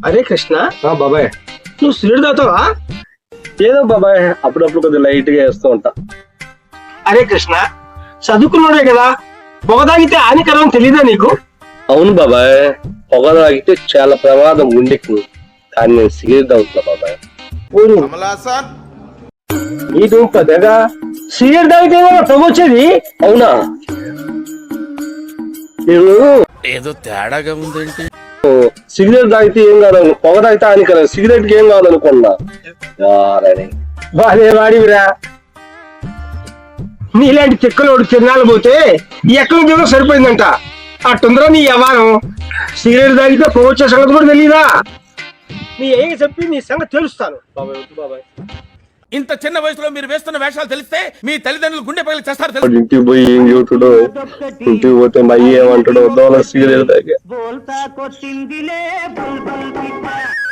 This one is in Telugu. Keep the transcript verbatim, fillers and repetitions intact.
అరే కృష్ణ, బాబాయ్ నువ్వు సిగరెట్ తాగుతావా? ఏదో బాబాయ్ అప్పుడప్పుడు కొద్దిగా లైట్ గా వేస్తూ ఉంటా. అరే కృష్ణ, చదువుకున్నాడే కదా, పొగ తాగితే హానికరం తెలీదా నీకు? అవును బాబాయ్, పొగ తాగితే చాలా ప్రమాదం గుండెకి. కానీ నేను సిగరెట్ తాగుతున్నా బాబాయ్. నీకు పెద్దగా సిగరెట్ తాగితే పొగ వచ్చేది? అవునా? నేను ఏదో తేడాగా ఉందేంటి? సిగరెట్ తాగితే ఏం కాదు, పొగ తాగితే హానికరం, సిగరెట్ కి ఏం కాదనుకున్నా. బాధే వాడివిరా. నీలాంటి తిక్కలోడు తిరణాలు పోతే ఎక్కడి నుంచి సరిపోయిందంట. అట్టుందరా నీ వ్యవహారం. సిగరెట్ తాగితే పొగ వచ్చే సంగతి కూడా తెలీదా? నీ ఏం చెప్పి నీ సంగతి తెలుస్తాను. బాబాయ్ వద్దు బాబాయ్. ఇంత చిన్న వయసులో మీరు వేస్తున్న వేషాలు తెలిస్తే మీ తల్లిదండ్రులు గుండె పగిలి చేస్తారు తెలుసు. ఇంటికి పోయి ఏం చెబుతాడో, ఇంటికి పోతే మా అయ్య ఏమంటాడో, దోల సిగరెట్ తాగా.